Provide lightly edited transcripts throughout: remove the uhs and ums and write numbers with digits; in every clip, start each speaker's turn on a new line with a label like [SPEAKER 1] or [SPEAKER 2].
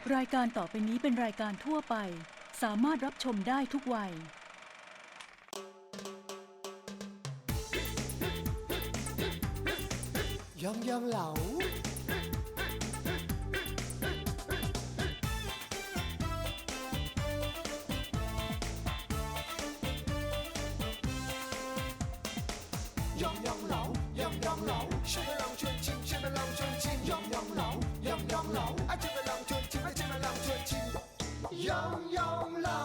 [SPEAKER 1] รายการต่อไปนี้เป็นรายการทั่วไปสามารถรับชมได้ทุกวัย
[SPEAKER 2] ยองยองเหลายองยองเหลายองยองเหลาชิมลองชวนชิมชิมลองชวนชิมยองยองเหลายองยองเหลาอาชิมลองชวนชิมชิมลองชวนชิมยองยองเหลา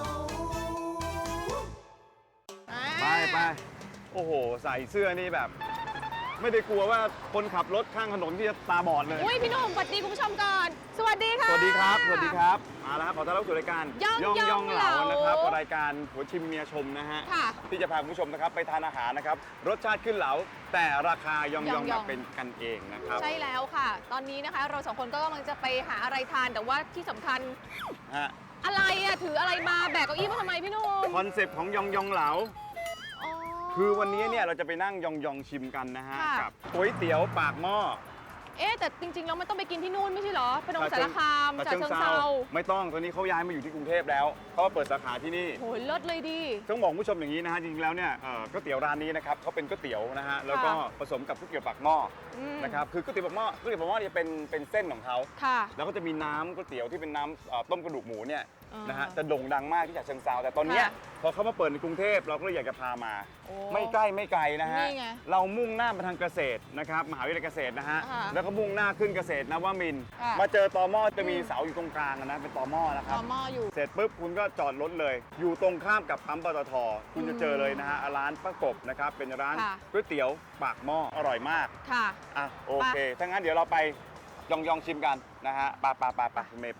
[SPEAKER 3] ไปโอ้โหใส่เสื้อนี่แบบไม่ได้กลัวว่าคนขับรถข้างถนนที่จะตาบอดเลย
[SPEAKER 4] อุ้ยพี่หนุ่มสวัสดีคุณผู้ชมก่อนสวัสดีค่ะ
[SPEAKER 3] สวัสดีครับสวัสดีครับมาแล้วครับขอต้อนรับสู่รายการ
[SPEAKER 4] ย่อง
[SPEAKER 3] เหลานะครับรายการหัวชิมเมียชมนะฮะที่จะพาคุณผู้ชมนะครับไปทานอาหารนะครับรสชาติขึ้นเหลาแต่ราคาย่องแบบเป็นกันเองนะครับ
[SPEAKER 4] ใช่แล้วค่ะตอนนี้นะคะเราสองคนก็กำลังจะไปหาอะไรทานแต่ว่าที่สำคัญอะไรอะถืออะไรมาแบกเก้าอี้มาทำไมพี่หนุ่ม
[SPEAKER 3] คอนเซปต์ของย่องเหลาคือวันนี้เนี่ยเราจะไปนั่งยองชิมกันนะฮะกับก๋วยเตี๋ยวปากหม้อ
[SPEAKER 4] แต่จริงๆแล้วมันต้องไปกินที่นู่นไม่ใช่เหรอพนมสารคามฉะเชิงเทรา
[SPEAKER 3] ไม่ต้องตอนนี้เขาย้ายมาอยู่ที่กรุงเทพแล้วเขาเปิดสาขาที่นี่
[SPEAKER 4] โหเลิศเลยดี
[SPEAKER 3] ต้องบอกผู้ชมอย่างนี้นะฮะจริงๆแล้วเนี่ยก๋วยเตี๋ยวร้านนี้นะครับเขาเป็นก๋วยเตี๋ยวนะฮะแล้วก็ผสมกับก๋วยเตี๋ยวปากหม้อนะครับคือก๋วยเตี๋ยวปากหม้อเนี่ยเป็นเส้นของเขาแล้วก็จะมีน้ำก๋วยเตี๋ยวที่เป็นน้ำต้มกระดูกหมูเนี่ยนะฮะจะโด่งดังมากที่ฉะเชิงเทราแต่ตอนนี้พอเขามาเปิดในกรุงเทพเราก็เลยอยากจะพามาไม่ใกล้ไม่ไกลนะฮะเรามุ่งหน้ามาทางเกษตรนะครับมหาวิทยาลัยเกษตรนะฮะแล้วก็มุ่งหน้าขึ้นเกษตรนวมินทร์มาเจอตม.จะมีเสาอยู่ตรงกลางนะเป็นตม.นะครับ
[SPEAKER 4] ตม.อยู่
[SPEAKER 3] เสร็จปุ๊บคุณก็จอดรถเลยอยู่ตรงข้ามกับปั๊มปตท.คุณจะเจอเลยนะฮะร้านป้ากบนะครับเป็นร้านก๋วยเตี๋ยวปากหม้ออร่อยมาก
[SPEAKER 4] ค่ะ
[SPEAKER 3] โอเคถ้างั้นเดี๋ยวเราไปยองชิมกันนะฮะไปคุณเมย์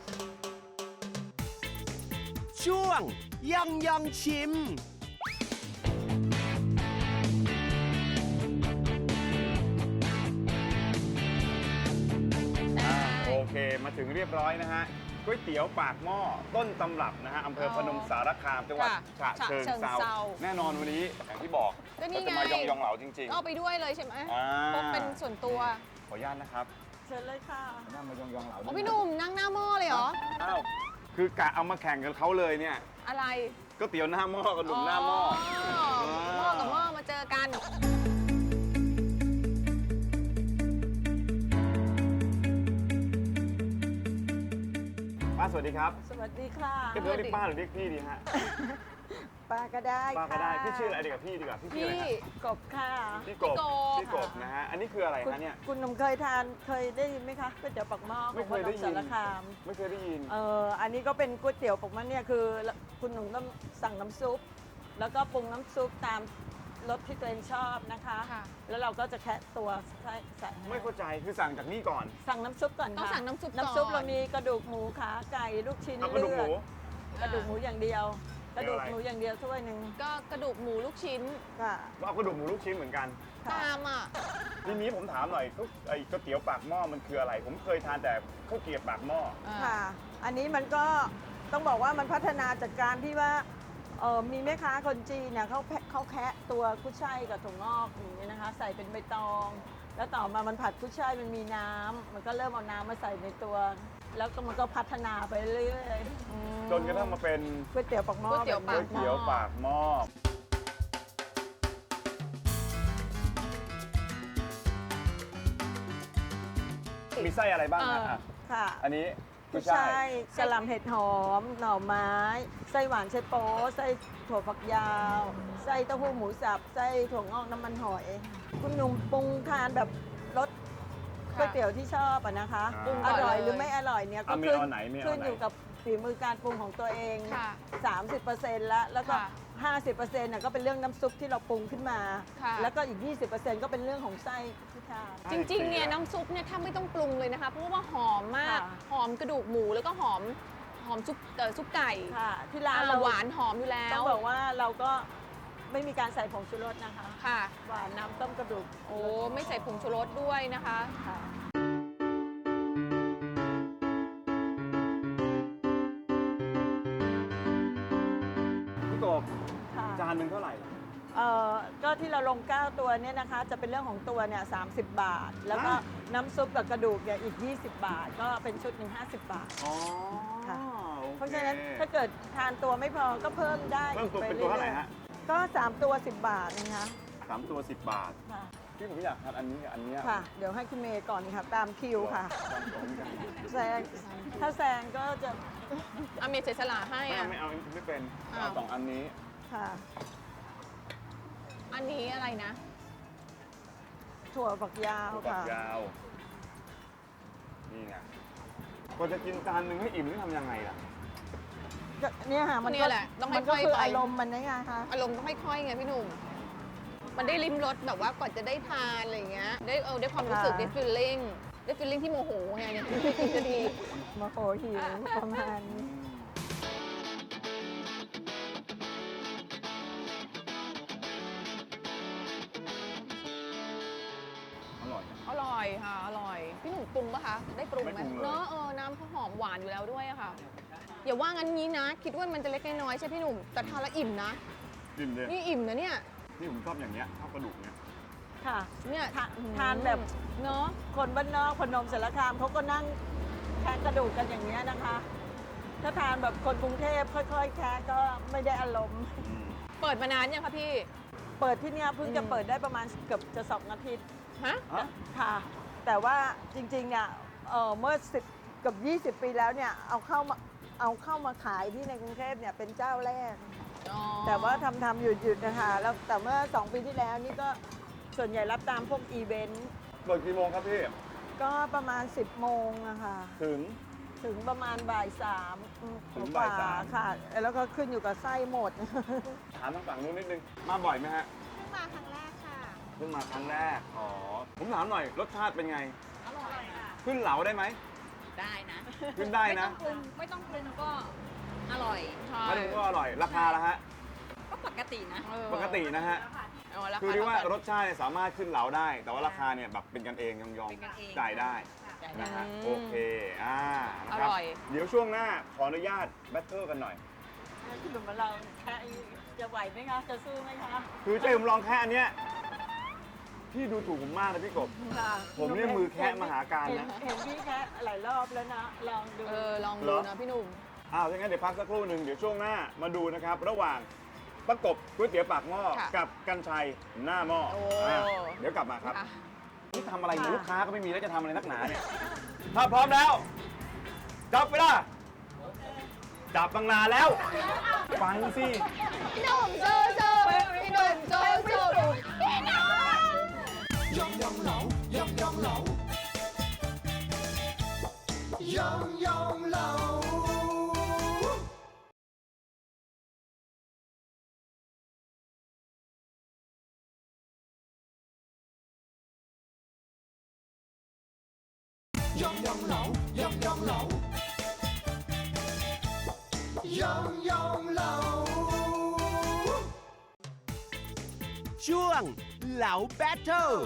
[SPEAKER 2] ช่วงยองชิม
[SPEAKER 3] โอเคมาถึงเรียบร้อยนะฮะก๋วยเตี๋ยวปากหม้อต้นตำรับนะฮะอำเภอพนมสารคามจังหวัดฉะเชิงเทราแน่นอนวันนี้อย่างที่บอก
[SPEAKER 4] ก็
[SPEAKER 3] จะมายองเหลาจริงๆ
[SPEAKER 4] ก็ไปด้วยเลยใช่ไหมพกเป็นส่วนตัว
[SPEAKER 3] ขออนุญาตนะครับ
[SPEAKER 4] เชิญเลยค่ะ
[SPEAKER 3] นั่งมายองเหลา
[SPEAKER 4] พี่หนุ่มนั่งหน้าหม้อเลยเหรอ
[SPEAKER 3] อ้าวคือกะเอามาแข่งกับเขาเลยเนี่ย
[SPEAKER 4] อะไร
[SPEAKER 3] ก๋วยเตี๋ยวหน้าหม้อกับหนุ่มหน้าหม้อ
[SPEAKER 4] หม้อกับหม้อมาเจอกัน
[SPEAKER 3] ป้าสวัสดีครับ
[SPEAKER 5] สวัสดีค่ะ
[SPEAKER 3] เรียกป้าหรือเรียกพี่ดีฮะ
[SPEAKER 5] ป้าก็ได้
[SPEAKER 3] ป้าก็ได้พี่ชื่ออะไรดีกับพี่ดีกว่าพี่ชื่ออะไร
[SPEAKER 5] กบค่ะ
[SPEAKER 3] พี่กบนะฮะอันนี้คืออะไรคะเนี่ย
[SPEAKER 5] คุณหนุ่มเคยได้ยินไหมคะก๋วยเตี๋ยวปากหม้อของพนมสารคาม
[SPEAKER 3] ไม่เคยได้ยิน
[SPEAKER 5] อันนี้ก็เป็นก๋วยเตี๋ยวปากหม้อเนี่ยคือคุณหนุ่มต้องสั่งน้ำซุปแล้วก็ปรุงน้ำซุปตามรสที่ตัวเองชอบนะคะแล้วเราก็จะแคะตัวใส่
[SPEAKER 3] ไม่เข้าใจคือสั่งจากนี่ก่อน
[SPEAKER 5] สั่งน้ำซุปก่อน
[SPEAKER 4] ต้องสั่งน้ำซุป
[SPEAKER 5] เรามีกระดูกหมูขาไก่ลูกชิ้นเลือดกระดูกหมูอย่างเดียวกระดูกหมูอย่างเดียวถ้วยหนึ่ง
[SPEAKER 4] ก็กระดูกหมูลูกชิ้น
[SPEAKER 5] ค่ะ
[SPEAKER 3] เอากระดูกหมูลูกชิ้นเหมือนกัน
[SPEAKER 4] ตาม
[SPEAKER 3] ทีนี้ผมถามหน่อยไอ้ก๋วยเตี๋ยวปากหม้อมันคืออะไรผมเคยทานแต่ข้าวเกรี๊ยวปากหม้อ
[SPEAKER 5] ค่ะอันนี้มันก็ต้องบอกว่ามันพัฒนาจากการที่ว่ามีแม่ค้าคนจีนเนี่ยเขาแคะตัวกุ้ยช่ายกับถั่วงอกอย่างนี้นะคะใส่เป็นใบตองแล้วต่อมามันผัดกุ้ยช่ายมันมีน้ำมันก็เริ่มเอาน้ำมาใส่ในตัวแล้วก็มันก็พัฒนาไปเรื่อย
[SPEAKER 3] จนกระทั่งมาเป็น
[SPEAKER 5] ก๋วยเตี๋ยวปากหม้อ
[SPEAKER 3] ก๋วยเตี๋ยวปากหม้อมีไส้อะไรบ้าง
[SPEAKER 5] ค่ะ
[SPEAKER 3] อันนี้
[SPEAKER 5] กุ้ยช่ายกะหล่ำเห็ดหอมหน่อไม้ไส้หวานไส้โป๊ไส้ถั่วฝักยาวไส้เต้าหู้หมูสับไส้ถั่วงอกน้ำมันหอยคุณหนุ่มปรุงทานแบบรสก๋วยเตี๋ยวที่ชอบนะคะอร่อยหรือไม่อร่อยเนี่ยก็ขึ้นอยู่กับฝีมือการปรุงของตัวเอง 30% แล้วก็ 50%น่ะก็เป็นเรื่องน้ำซุปที่เราปรุงขึ้นมาแล้วก็อีก 20% ก็เป็นเรื่องของไส้ที่ทาน
[SPEAKER 4] จริงๆเนี่ยน้ำซุปเนี่ยแทบไม่ต้องปรุงเลยนะคะเพราะว่าหอมมากหอมกระดูกหมูแล้วก็หอมซุปไก่
[SPEAKER 5] ที่ร้านเรา
[SPEAKER 4] หวานหอมอยู่แล้ว
[SPEAKER 5] ต้องบอกว่าเราก็ไม่มีการใส่ผงชูรสนะคะ
[SPEAKER 4] ค่ะ
[SPEAKER 5] หวานน้ำต้มกระดูก
[SPEAKER 4] ไม่ใส่ผงชูรสด้วยนะคะ
[SPEAKER 3] พี่กบจานหนึ่งเท่าไหร่
[SPEAKER 5] ก็ที่เราลง9ตัวเนี่ยนะคะจะเป็นเรื่องของตัวเนี่ย30 บาทแล้วก็น้ำซุปกับกระดูกเนี่ยอีก 20 บาท ก็เป็นชุดหนึ่ง50 บาท
[SPEAKER 3] อ๋อ
[SPEAKER 5] ค่ะ
[SPEAKER 3] โอค
[SPEAKER 5] เพราะฉะนั้นถ้าเกิดทานตัวไม่พอก็เพิ่มได้
[SPEAKER 3] เพิ่มตัวเป็นตัวเท่าไหร่ฮะ
[SPEAKER 5] ก็ 3 ตัว 10 บาทนะคะ
[SPEAKER 3] 3 ตัว 10 บาท
[SPEAKER 5] ค่ะ
[SPEAKER 3] พี่ผมอยากทานอันนี้กับอันเนี้ย
[SPEAKER 5] ค่ะ เดี๋ยวให้คุณเมย์ก่อนค่ะ ตามคิวค่ะ
[SPEAKER 3] ตามตรงกัน
[SPEAKER 5] แซงถ้าแซงก็จะ
[SPEAKER 4] อาเมย์เสียสละให้
[SPEAKER 3] ไม่
[SPEAKER 4] อ่ะ
[SPEAKER 3] เอาไม่เอาไม่เป็น
[SPEAKER 4] อ้าว
[SPEAKER 3] เอา2 อันนี้
[SPEAKER 5] ค่ะ
[SPEAKER 4] อันนี้อะไรนะ
[SPEAKER 5] ถั่วฝักยาว
[SPEAKER 3] ฝัก
[SPEAKER 5] ค่ะ
[SPEAKER 3] ยาว นี่ไงกว่าจะกินจานหนึ่งให้อิ่มนี่ทำยังไงล่ะ
[SPEAKER 5] ก็เนี่ยค่ะมัน
[SPEAKER 4] เนี่
[SPEAKER 5] ก็
[SPEAKER 4] ยแหละต้อง
[SPEAKER 5] มันก็
[SPEAKER 4] ค่อยๆ
[SPEAKER 5] คือ
[SPEAKER 4] ไป
[SPEAKER 5] อารมณ์มันนะไงคะ
[SPEAKER 4] อารมณ์ต้องค่อยๆไงพี่หนุ่ม มันได้ลิ้มรสแบบว่ากว่าจะได้ทานอะไรอย่างเงี้ย ได้ความรู้สึกได้ฟีลลิ่งที่โมโหไงเนี่ยจะดี
[SPEAKER 5] มาโหหิวประมาณนี้
[SPEAKER 3] อร่อยนะ
[SPEAKER 4] อร่อยค่ะ อร่อย พี่หนุ่มปรุงปะคะ ได้ปรุงไหม
[SPEAKER 3] ไม่ปรุงเลย
[SPEAKER 4] เนอะน้ำเขาหอมหวานอยู่แล้วด้วยอะค่ะ อย่าว่างั้นนี้นะ คิดว่ามันจะเล็กน้อยๆใช่พี่หนุ่ม แต่ทานแล้วอิ่มนะ
[SPEAKER 3] อิ่มเลย
[SPEAKER 4] นี่อิ่มนะเนี่ย
[SPEAKER 3] นี่ผมชอบอย่างเงี้ยชอบกระดูกเนี้ย
[SPEAKER 5] ค่ะ
[SPEAKER 4] เนี่ย
[SPEAKER 5] ทานแบบ
[SPEAKER 4] เนอะ
[SPEAKER 5] คนบ้านนอกพนมสารคามเขาก็นั่งแคะกระดูกกันอย่างเงี้ยนะคะ ถ้าทานแบบคนกรุงเทพค่อยๆ แคะก็ไม่ได้อารมณ์
[SPEAKER 4] เปิดมานานยังคะพี่
[SPEAKER 5] เปิดที่เนี่ยเพิ่งจะเปิดได้ประมาณเกือบจะ2 อาทิตย์
[SPEAKER 4] ฮะ
[SPEAKER 3] ฮะ
[SPEAKER 5] ค่ะ แต่ว่าจริงๆเนี่ยเมื่อ10กับ20 ปีแล้วเนี่ยเอาเข้ามาขายที่ในกรุงเทพเนี่ยเป็นเจ้าแรก
[SPEAKER 4] อ๋อ
[SPEAKER 5] แต่ว่าทำหยุดนะคะแล้วแต่เมื่อ 2 ปีที่แล้วนี่ก็ส่วนใหญ่รับตามพวกอีเวนต์
[SPEAKER 3] เปิดกี่โมงครับพี่
[SPEAKER 5] ก็ประมาณ 10 โมงอะค่ะ
[SPEAKER 3] ถึง
[SPEAKER 5] ประมาณบ่ายสาม
[SPEAKER 3] ถึงบ่ายสาม
[SPEAKER 5] ค่ะ แล้วก็ขึ้นอยู่กับไส้หมด
[SPEAKER 3] ถามทางฝั่งนู้นนิดนึง มาบ่อยไหมฮะ
[SPEAKER 4] มาครั้งแรกค่ะ
[SPEAKER 3] เพิ่งมาครั้งแรก อ๋อ ผมถามหน่อย รสชาติเป็นไง
[SPEAKER 4] อร่อยค่ะ
[SPEAKER 3] ขึ้นเหลาได้ไหม
[SPEAKER 6] ได้นะ
[SPEAKER 3] ขึ้นได้นะ
[SPEAKER 6] ไม่ต้องปรุงก็อร่อย
[SPEAKER 4] ใช่
[SPEAKER 3] ไม่ถึงก็อร่อย ราคาละฮะ
[SPEAKER 6] ก็ปกตินะ
[SPEAKER 3] ปกตินะฮะ
[SPEAKER 4] รา
[SPEAKER 3] คือ
[SPEAKER 4] คา
[SPEAKER 3] ที่ว่า
[SPEAKER 4] เท่กัน
[SPEAKER 3] รสชาติเนี่ยสามารถขึ้นเหลาได้ แต่ว่าราคาเนี่ยแบบเป็นกันเองยอม
[SPEAKER 6] เป็นกันเอง
[SPEAKER 3] จ่ายได้
[SPEAKER 6] จ่ายได้
[SPEAKER 3] นะฮะ
[SPEAKER 4] อืม
[SPEAKER 3] โอเค นะค
[SPEAKER 4] อร่อย
[SPEAKER 3] เดี๋ยวช่วงหน้าขออนุญาตแบทเทิลกันหน่อย
[SPEAKER 5] คุณหนุ่มเราแค่จะไหวไหมคะ จะสู้ไหมคะ
[SPEAKER 3] คือเจ๊ผมลองแค่อันเนี้ยพี่ดูถูกผมมากนะพี่กบ
[SPEAKER 5] ค่ะ
[SPEAKER 3] ผมเนี่ยมือแคะมหาการนะ
[SPEAKER 5] เห็นพี่แคะหลายรอบแล้วนะ ลองดู
[SPEAKER 4] ลอง
[SPEAKER 3] เหร
[SPEAKER 4] ดู
[SPEAKER 3] อ
[SPEAKER 4] นะพี่หนุ่ม
[SPEAKER 3] อ้าวถ้างั้นเดี๋ยวพักสักครู่หนึ่งเดี๋ยวช่วงหน้ามาดูนะครับ ระหว่างประกบก๋วยเตี๋ยวปากหม้อ
[SPEAKER 4] ค่ะ
[SPEAKER 3] กับกันชัยหน้าหม้อ
[SPEAKER 4] โอ้
[SPEAKER 3] อ่ะเดี๋ยวกลับมาครับ
[SPEAKER 4] ค่ะ
[SPEAKER 3] นี่ทำอะไรเนี่ย
[SPEAKER 5] ค่ะ
[SPEAKER 3] ลูกค้าก็ไม่มีแล้วจะทำอะไรนักหนาเนี่ย ถ้าพร้อมแล้ว จับไปละจับบังนาแล้ว ฟังสิ
[SPEAKER 4] พี่หนุ่มสู้พี่หนุ่มสู้พี่หนุ่ม
[SPEAKER 2] ยองยองเหลา ยองยองเหลา ยองยองเหลา ยองยองเหลา ยองยองเหลา ยองยองเหลา
[SPEAKER 7] ช่วงเหลาแบทเทิล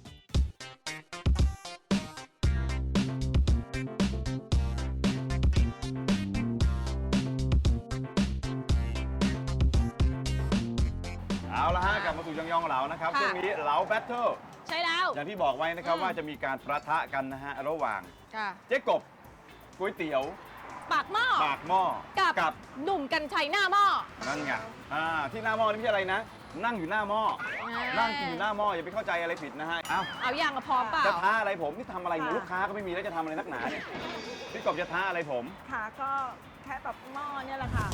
[SPEAKER 3] เอาละฮะกลับมาสู่ยองยองเหลานะครับ
[SPEAKER 4] ค่ะ
[SPEAKER 3] ช่วงนี้เหลาแบทเทิล
[SPEAKER 4] ใช่แล้ว
[SPEAKER 3] อย่างที่บอกไว้นะครับ
[SPEAKER 4] อืม
[SPEAKER 3] ว่าจะมีการประทะกันนะฮะระหว่าง
[SPEAKER 4] ค่ะ
[SPEAKER 3] เจ๊กบก๋วยเตี๋ยว
[SPEAKER 4] ปากหม้อ
[SPEAKER 3] ปากหม้อ
[SPEAKER 4] กับ หนุ่มกันชัยหน้าหม้อ
[SPEAKER 3] นั่นไงที่หน้าหม้อนี่ไม่ใช่อะไรนะ นั่งอยู่หน้าหม้อ นั่งกินอยู่หน้าหม้ออย่าไปเข้าใจอะไรผิดนะฮะ เอ้า
[SPEAKER 4] เอาอย่างกับพร้อมเปล่า
[SPEAKER 3] จะท้าอะไรผมนี่ทำอะไรเนี่ย
[SPEAKER 5] ค่ะ
[SPEAKER 3] ลูกค้าก็ไม่มีแล้วจะทำอะไรนักหนาเนี่ย พี่กบจะท้าอะไรผม
[SPEAKER 5] ค่ะก็แค่แบบหม้อเนี่ยแหละค่ะ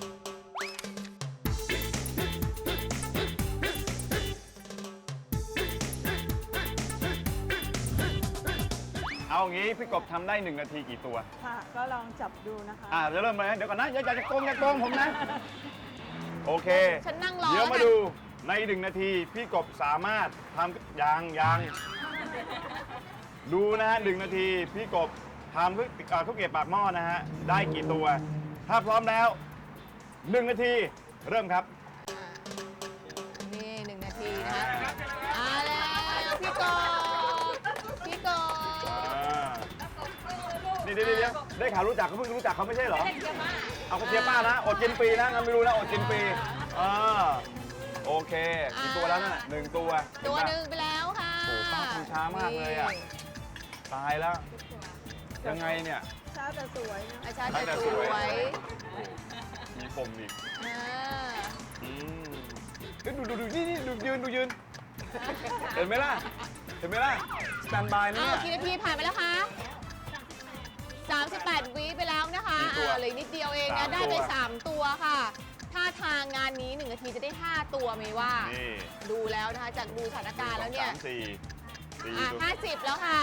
[SPEAKER 3] เอางี้พี่กบทำได้1 นาทีกี่ตัว
[SPEAKER 5] ค่ะ ก็ลองจับดูนะคะ
[SPEAKER 3] จะเริ่มเลยนะเดี๋ยวก่อนนะอย่าจะโกงผมนะ โอเค
[SPEAKER 4] ฉันนั่งรอ
[SPEAKER 3] เดี๋ยว
[SPEAKER 4] แล้ว
[SPEAKER 3] มา
[SPEAKER 4] กัน
[SPEAKER 3] ดูใน1 นาทีพี่กบสามารถทำยังดูนะฮะ1 นาทีพี่กบทำข้าวเกรี๊ยวปากหม้อนะฮะได้กี่ตัว ถ้าพร้อมแล้ว 1 นาทีเริ่มครับ
[SPEAKER 4] นี่1 นาทีนะคะแล้วพี่กบ
[SPEAKER 3] นี่เดี๋ยวได้ข่าวรู้จักเขาเพิ่งรู้จักเขาไม่ใช่เหรอเอากระเทียมป้านะอดกินฟรีนะงั้นไม่รู้นะอดกินฟรีโอเคกี่ตัวแล้วนั่นน่ะ1 ตัว
[SPEAKER 4] ตัวหนึ่งไปแล้วค่ะ
[SPEAKER 3] โอ้ป้าทำช้ามากเลยอะ
[SPEAKER 4] น
[SPEAKER 3] ตายแล้ว ยังไงเนี่ย
[SPEAKER 5] ชาแต่สวยนะ
[SPEAKER 4] อาชาจะ
[SPEAKER 3] แต่
[SPEAKER 4] ส
[SPEAKER 3] สวย
[SPEAKER 4] วย
[SPEAKER 3] มีปมอีก
[SPEAKER 4] อ่า
[SPEAKER 3] เอ้ยดูนี่ดูยืน เห็นไหมล่ะ เห็นไหมล่ะ สแตนบายนะ
[SPEAKER 4] อ้า
[SPEAKER 3] เนี่
[SPEAKER 4] วย กี่นาทีผ่านไปแล้วคะ38 วิไปแล้วนะคะ
[SPEAKER 3] กี่ตัว
[SPEAKER 4] เหลยนิดเดียวเอง
[SPEAKER 3] สา
[SPEAKER 4] นะ
[SPEAKER 3] ม
[SPEAKER 4] ได้ไป
[SPEAKER 3] ตัว
[SPEAKER 4] 3 ตัวค่ะ ถ้าทางงานนี้1นาทีจะได้ 5 ตัวไหมว่า
[SPEAKER 3] นี่
[SPEAKER 4] ดูแล้วนะคะจากดูสถานการณ์แล้วเนี่ย
[SPEAKER 3] สามสี่ตัว
[SPEAKER 4] 50 แล้วค่ะ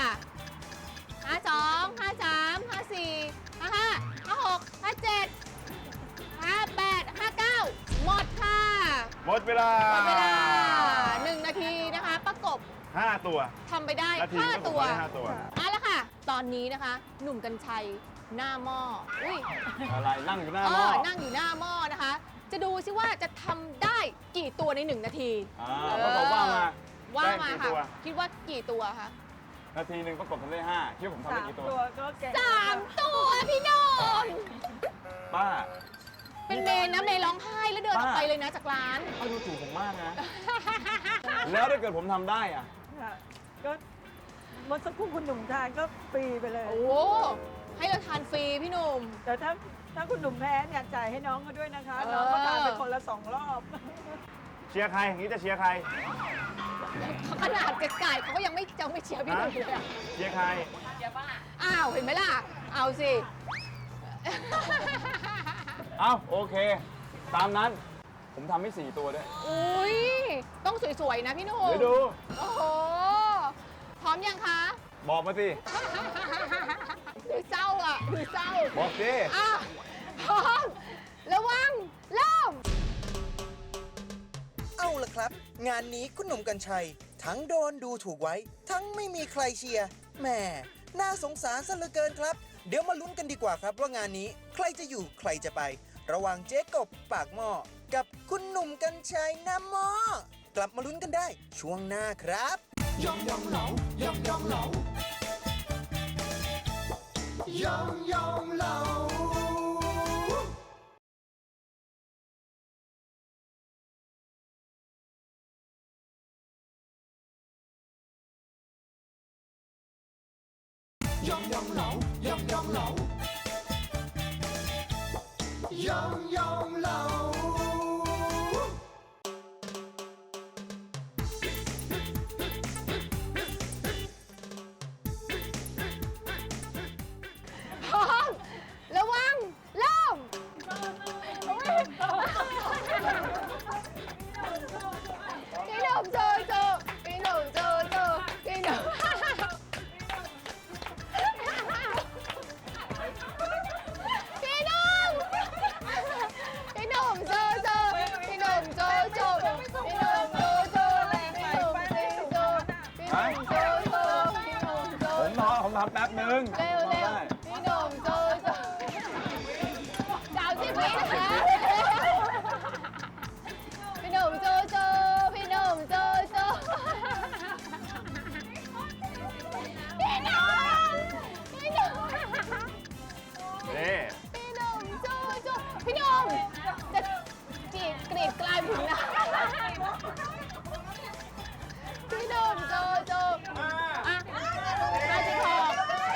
[SPEAKER 4] 52 53 54 55 56 57 58 59 หมดค่ะ
[SPEAKER 3] หมดเวลา
[SPEAKER 4] หมดเวลา 1 นาทีนะคะ ประกบ
[SPEAKER 3] 5 ตัว
[SPEAKER 4] ทำไปได้
[SPEAKER 3] นาที
[SPEAKER 4] 5 ตัว
[SPEAKER 3] 5 ตัว
[SPEAKER 4] เอาละค่ะ ตอนนี้นะคะ หนุ่มกัญชัยหน้าหม้ออุ้ย
[SPEAKER 3] อะไรนั่งอยู่หน้าหม้อ
[SPEAKER 4] นั่งอยู่หน้าหม้อนะคะ จะดูซิว่าจะทำได้กี่ตัวใน 1 นาที
[SPEAKER 3] ประกบว่ามา
[SPEAKER 4] ว่ามา
[SPEAKER 3] แป้งกี่
[SPEAKER 4] ค่ะ
[SPEAKER 3] ตัว
[SPEAKER 4] คิดว่ากี่ตัวคะ
[SPEAKER 3] นาทีหนึ่งประกบทำได้5คิดว่าผมทำได้
[SPEAKER 5] 3
[SPEAKER 3] กี่ตัว
[SPEAKER 5] ตัวก็แก่
[SPEAKER 4] 3 ตัวพี่โนน
[SPEAKER 3] ป้า
[SPEAKER 4] เป็นเมนนะเมนร้องไห้แล้วเดินออกไปเลยนะจากร้าน
[SPEAKER 3] ป้าดูถูกผมมากนะ แล้วถ้าเกิดผมทำได้อะ
[SPEAKER 5] ค่ะก็เมื่อสักครู่คุณหนุ่มทานก็ฟรีไปเลย
[SPEAKER 4] โอ้ให้เราทานฟรีพี่หนุ่ม
[SPEAKER 5] แต่ถ้าคุณหนุ่มแพ้เนี่ยจ่ายให้น้องเขาด้วยนะคะ
[SPEAKER 4] เออ
[SPEAKER 5] น้องก็ทานไปคนละ2 รอบ
[SPEAKER 3] เชียร์ใครอย่างนี้จะเชียร์ใคร
[SPEAKER 4] ขนาดไก่เขาก็ยังไม่เชียร์พี่หนุ่มเลยอะ
[SPEAKER 3] เชียร์ใคร
[SPEAKER 4] อ้าวเห็นไหมล่ะ เอาสิ
[SPEAKER 3] เอ้าโอเค ตามนั้น ผมทำให้4ตัวด้วย
[SPEAKER 4] อุ้ยต้องสวยๆนะพี่หนุ่ม
[SPEAKER 3] เดี๋ยวดู
[SPEAKER 4] โอ้โห พร้อมยังคะ
[SPEAKER 3] บอกมาสิ
[SPEAKER 4] ดูเศร้าอ่ะดูเศร้า
[SPEAKER 3] บอกสิ
[SPEAKER 4] อ่ะพร้อม ระวัง เริ่ม
[SPEAKER 8] เอาล่ะครับ งานนี้คุณหนุ่มกัญชัย ทั้งโดนดูถูกไว้ ทั้งไม่มีใครเชียร์แหมน่าสงสารซะเหลือเกินครับ เดี๋ยวมาลุ้นกันดีกว่าครับว่างานนี้ใครจะอยู่ใครจะไป ระหว่างเจ๊กบปากหม้อกับคุณหนุ่มกัญชัยหน้าหม้อกลับมาลุ้นกันได้ช่วงหน้าครับ
[SPEAKER 2] ยองยองเหลา ยองยองเหลา ยองยองเหลา ยองยองเหลา ยองยองเหลา ยองยองเหลา
[SPEAKER 4] พร้อม ระวัง เริ่ม พี่หนุ่มโจโจพี่หนุ่มโจโจพี่หนุ่มพี่หนุ่มพี่หนุ่มโจโจพี่หนุ่มโจโจพี่หนุ่มโจโจพี่หนุ่มโจโจพี่หนุ่มโจโจพี่หนุ่มโจ
[SPEAKER 3] ผมทำแป๊บนึง
[SPEAKER 4] เร็วเร็ว
[SPEAKER 3] ได้
[SPEAKER 4] พี่หนุ่มโจโจ30 วินะคะพี่หนุ่มโจโจพี่หนุ่มโจโจพี่หนุ่มพี่หนุ่ม
[SPEAKER 3] นี่
[SPEAKER 4] พี่หนุ่มโจโจพี่หนุ่มจะกรีดกลายถึงนะพี่หนุ่มโจโจอ่ะ56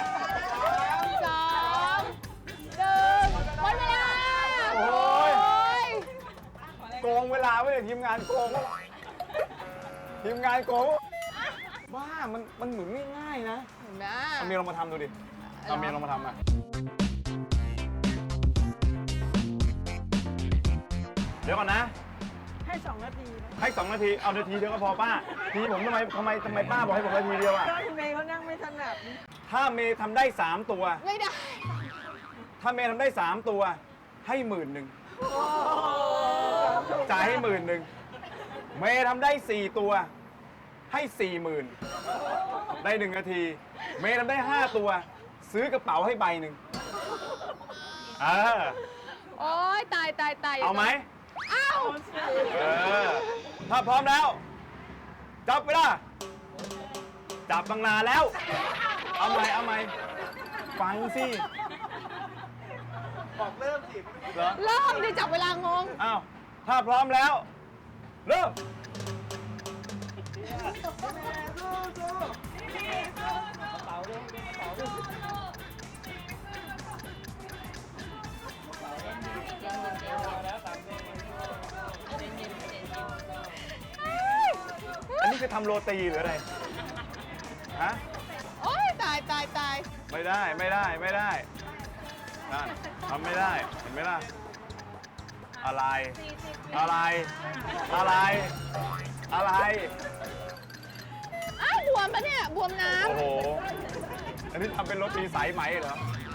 [SPEAKER 4] 2 1หมดเวลา
[SPEAKER 3] โอ้ย โกงเวลาไว้เลยทีมงานโกง ทีมงานโกงบ้ามันเหมือนง่ายๆนะ
[SPEAKER 4] เห็นไหม
[SPEAKER 3] เอาเมียลองมาทำดูดิ เอาเมียลองมาทำมาเดี๋ยวก่อนนะ
[SPEAKER 5] ให้ 2 นาทีนะ
[SPEAKER 3] ให้2 นาที เอานาทีเดียวก็พอป้า ทีผมทำไมป้าบอกให้ผมนาทีเดียวอะ
[SPEAKER 5] ก็คุณเมย์เขานั่งไม่ถนัด
[SPEAKER 3] ถ้าเมย์ทำได้3 ตัว
[SPEAKER 4] ไม่ได้
[SPEAKER 3] ถ้าเมย์ทำได้3 ตัว ให้11,000จ่ายให้11,000เมย์ทำได้4 ตัว ให้ 40,000ได้ 1 นาที เมย์ทำได้5 ตัว ซื้อกระเป๋าให้ใบหนึ่งเออ
[SPEAKER 4] โอ๊ย ตาย
[SPEAKER 3] เอาไหม
[SPEAKER 4] เอา
[SPEAKER 3] เออ ถ้าพร้อมแล้ว จับเวลาจับตั้งนานแล้ว เอาไหมฟังสิบอกเริ่มสิเหรอ
[SPEAKER 4] เริ่มดิจับเวลางง
[SPEAKER 3] อ้าว ถ้าพร้อมแล้ว เริ่มอันนี้คือทำโรตีหรืออะไร ฮะ
[SPEAKER 4] โอ้ยตายตายตาย
[SPEAKER 3] ไม่ได้ไม่ได้ไม่ได้นั่นทำไม่ได้เห็นไหมล่ะอะไรอะไรอะไรอะไร
[SPEAKER 4] อ้าวบวมปะเนี่ยบวมน้
[SPEAKER 3] โอ้โหอันนี้ทำเป็นโรตีสายไหมเหรอ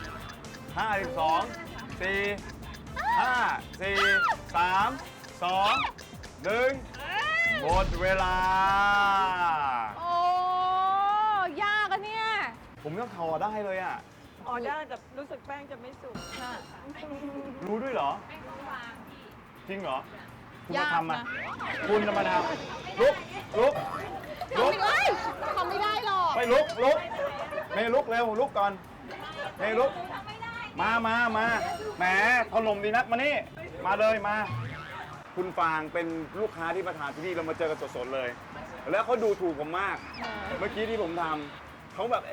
[SPEAKER 3] 52 4 5 4 3 2 1หมดเวลา
[SPEAKER 4] ำโอ้ยากอะเนี่ย
[SPEAKER 3] ผมยังทอได้เลยอ่ะ
[SPEAKER 5] ออได้แต่รู้สึกแป้งจะไม่สุก
[SPEAKER 3] รู้ด้วยเหรอ จริงเหรอ คุณมาย
[SPEAKER 4] าก
[SPEAKER 3] ทำมา
[SPEAKER 4] นะ
[SPEAKER 3] คุณจะมาทำลุกลุกลุก
[SPEAKER 4] ทำไม่ได้ทำไม่ได้หรอก
[SPEAKER 3] ไปลุกลุกเมย์ลุกเร็วลุกก่อนเมย์ลุกมาแหมถล่มดีนักมานี่มาเลยมา คุณฟางเป็นลูกค้าที่มาทานที่นี่เรามาเจอกันสดๆเลย แล้วเขาดูถูกผมมาก เมื่อกี้ที่ผมทำเขาแบบ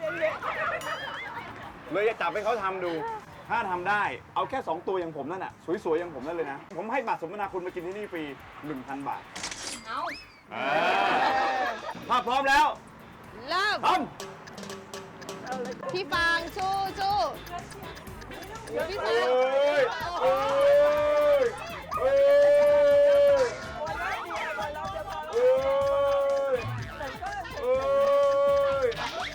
[SPEAKER 3] เลยจะจับให้เขาทำดู ถ้าทำได้เอาแค่ 2 ตัวอย่างผมนั่นน่ะสวยๆอย่างผมนั่นเลยนะ ผมให้บัตรสมนาคุณมากินที่นี่ฟรี 1,000 บาท
[SPEAKER 6] เอา
[SPEAKER 3] ถ้าพร้อมแล้ว
[SPEAKER 4] เริ่ม
[SPEAKER 3] ท
[SPEAKER 4] พี่ฟางสู้สู้พี่
[SPEAKER 3] ำ
[SPEAKER 4] ฟาง
[SPEAKER 3] เอ้ยเอ้ยเอ้ยเอ้ย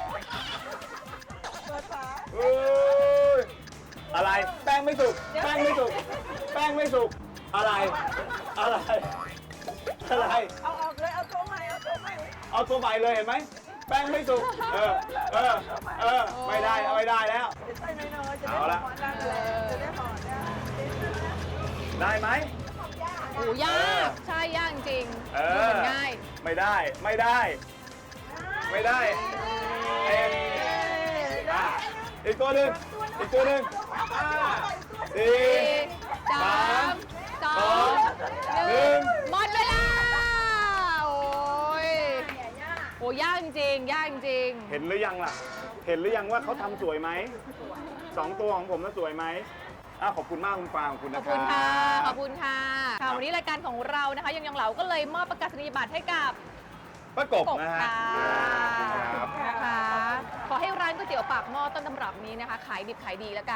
[SPEAKER 3] เอ้ยอะไรแป้งไม่สุกแป้งไม่สุกแป้งไม่สุกอะไรอะไรอะไร
[SPEAKER 5] เอาออกเลย เอาตัวใหม่ เอาตัวใหม่
[SPEAKER 3] เอาตัวใหม่เลยเห็นไหมแป้งไม่สุกไม่ได้ไม่ได้แล้ว
[SPEAKER 5] จะใส่น้อยๆจะได้
[SPEAKER 3] เอาละ
[SPEAKER 5] ห่อได้เลยจะได้ห่อได้
[SPEAKER 3] ได้ไหม
[SPEAKER 4] โอ้ยากใช่ยากจริง
[SPEAKER 3] เอ
[SPEAKER 4] ดู
[SPEAKER 3] อ
[SPEAKER 4] เหมือนง่าย
[SPEAKER 3] ไม่ได้ไม่ได้ ไม่ได้เอ็มอีกตัวหนึ่งอีกตัวหนึ่ง4
[SPEAKER 4] 3 2 1หมดเวลา โอ้ยโอ้ยากจริงยากจริง
[SPEAKER 3] เห็นหรือยังล่ะ เห็นหรือยังว่าเขาทำสวยไหม2 ตัวของผมน่ะสวยไหมขอบคุณมากคุณฟางขอบคุณ
[SPEAKER 4] ข
[SPEAKER 3] นะ
[SPEAKER 4] อบ
[SPEAKER 3] ครั
[SPEAKER 4] คุ
[SPEAKER 3] บ
[SPEAKER 4] ณค่ะ ขอบคุณค่ะ ค่ะ วันนี้รายการของเรานะคะยังเหลาก็เลยมอบประกาศนียบัตรให้กับ
[SPEAKER 3] ประกบ
[SPEAKER 4] กบ
[SPEAKER 3] นะฮะ
[SPEAKER 4] ค่ะ
[SPEAKER 3] ครับ
[SPEAKER 4] นะคะ ขอให้ร้านก๋วยเตี๋ยวปากหม้อต้นตำรับนี้นะคะ ขายดิบขายดีแล้วกัน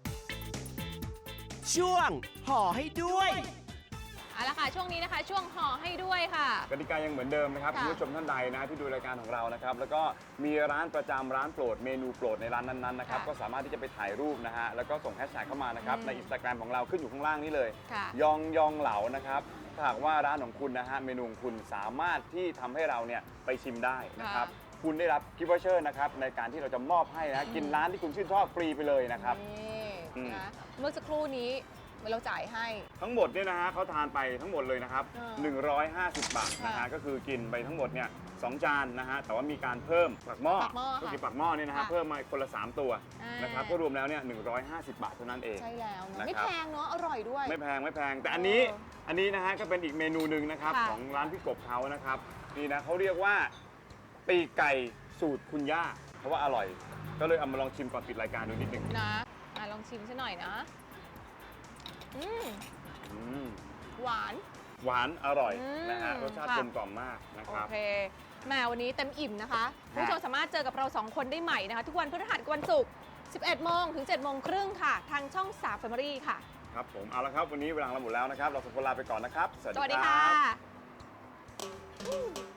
[SPEAKER 7] ช่วงห่อให้ด้วย
[SPEAKER 4] เอาละค่ะ ช่วงนี้นะคะ ช่วงห่อให้ด้วยค่ะ
[SPEAKER 3] กติกายังเหมือนเดิมนะครับ
[SPEAKER 4] ค่ะ
[SPEAKER 3] คุณผู้ชมท่านใดนะที่ดูรายการของเรานะครับแล้วก็มีร้านประจำร้านโปรดเมนูโปรดในร้านนั้นๆนะครับ
[SPEAKER 4] ค่ะ
[SPEAKER 3] ก็สามารถที่จะไปถ่ายรูปนะฮะแล้วก็ส่งแฮชแท็กเข้ามานะครับ
[SPEAKER 4] อืม
[SPEAKER 3] ในอินสตาแกรมของเราขึ้นอยู่ข้างล่างนี้เลย
[SPEAKER 4] ค่ะ
[SPEAKER 3] ยองยองเหลานะครับถ้าหากว่าร้านของคุณนะฮะเมนูของคุณสามารถที่ทำให้เราเนี่ยไปชิมได้นะครับคุณได้รับกิฟต์วอเชอร์นะครับในการที่เราจะมอบให้นะกินร้านที่คุณชื่นชอบฟรีไปเลยนะครับ
[SPEAKER 4] นี่
[SPEAKER 3] อืม
[SPEAKER 4] นะเมื่อสักครู่นี้เราจ่ายให้
[SPEAKER 3] ทั้งหมดเนี่ยนะฮะเขาทานไปทั้งหมดเลยนะครับ 150 บาทนะฮะ
[SPEAKER 4] ค่ะ
[SPEAKER 3] ก็คือกินไปทั้งหมดเนี่ย2 จานนะฮะแต่ว่ามีการเพิ่มปักหม้อ
[SPEAKER 4] ปักหม้อ
[SPEAKER 3] ก็
[SPEAKER 4] ค่ะ
[SPEAKER 3] คือปักหม้อเนี่ยนะฮะ
[SPEAKER 4] ค่ะ
[SPEAKER 3] เพิ่มมาคนละ 3 ตัว
[SPEAKER 4] อ่าน
[SPEAKER 3] นะครับก็รวมแล้วเนี่ย150 บาทเท่านั้นเอง
[SPEAKER 4] ใช่แล้วเนอะ
[SPEAKER 3] นะครับ
[SPEAKER 4] ไม่แพงเนาะอร่อยด้วย
[SPEAKER 3] ไม่แพงไม่แพง แต่อันนี้
[SPEAKER 4] เออ
[SPEAKER 3] อันนี้นะฮะก็เป็นอีกเมนูหนึ่งนะครับ
[SPEAKER 4] ค่ะ
[SPEAKER 3] ของร้านพี่กบเขานะครับนี่นะเขาเรียกว่าปีกไก่สูตรคุณย่าเพราะว่าอร่อย ก็เลยเอามาลองชิมก่อนปิดรายการดูนิดหนึ่ง
[SPEAKER 4] นะลองชิมซะหน่อยนะ อืม
[SPEAKER 3] อืม
[SPEAKER 4] หวาน
[SPEAKER 3] หวานอร่อย
[SPEAKER 4] อืม
[SPEAKER 3] นะฮะรสชาติ
[SPEAKER 4] ค่ะ
[SPEAKER 3] กลมกล่อมมากนะ
[SPEAKER 4] โอ
[SPEAKER 3] ครับ
[SPEAKER 4] เคแหมวันนี้เต็มอิ่มนะคะคุณผู้ชมสามารถเจอกับเรา 2 คนได้ใหม่นะคะ ทุกวันพฤหัสกับวันศุกร์ 11 โมงถึง 7 โมงครึ่งค่ะ ทางช่อง 3 Family ค่ะ
[SPEAKER 3] ครับผมเอาละครับวันนี้เวลาเราหมดแล้วนะครับ เราสองคนลาไปก่อนนะครับ
[SPEAKER 4] สวัสดีค่ะ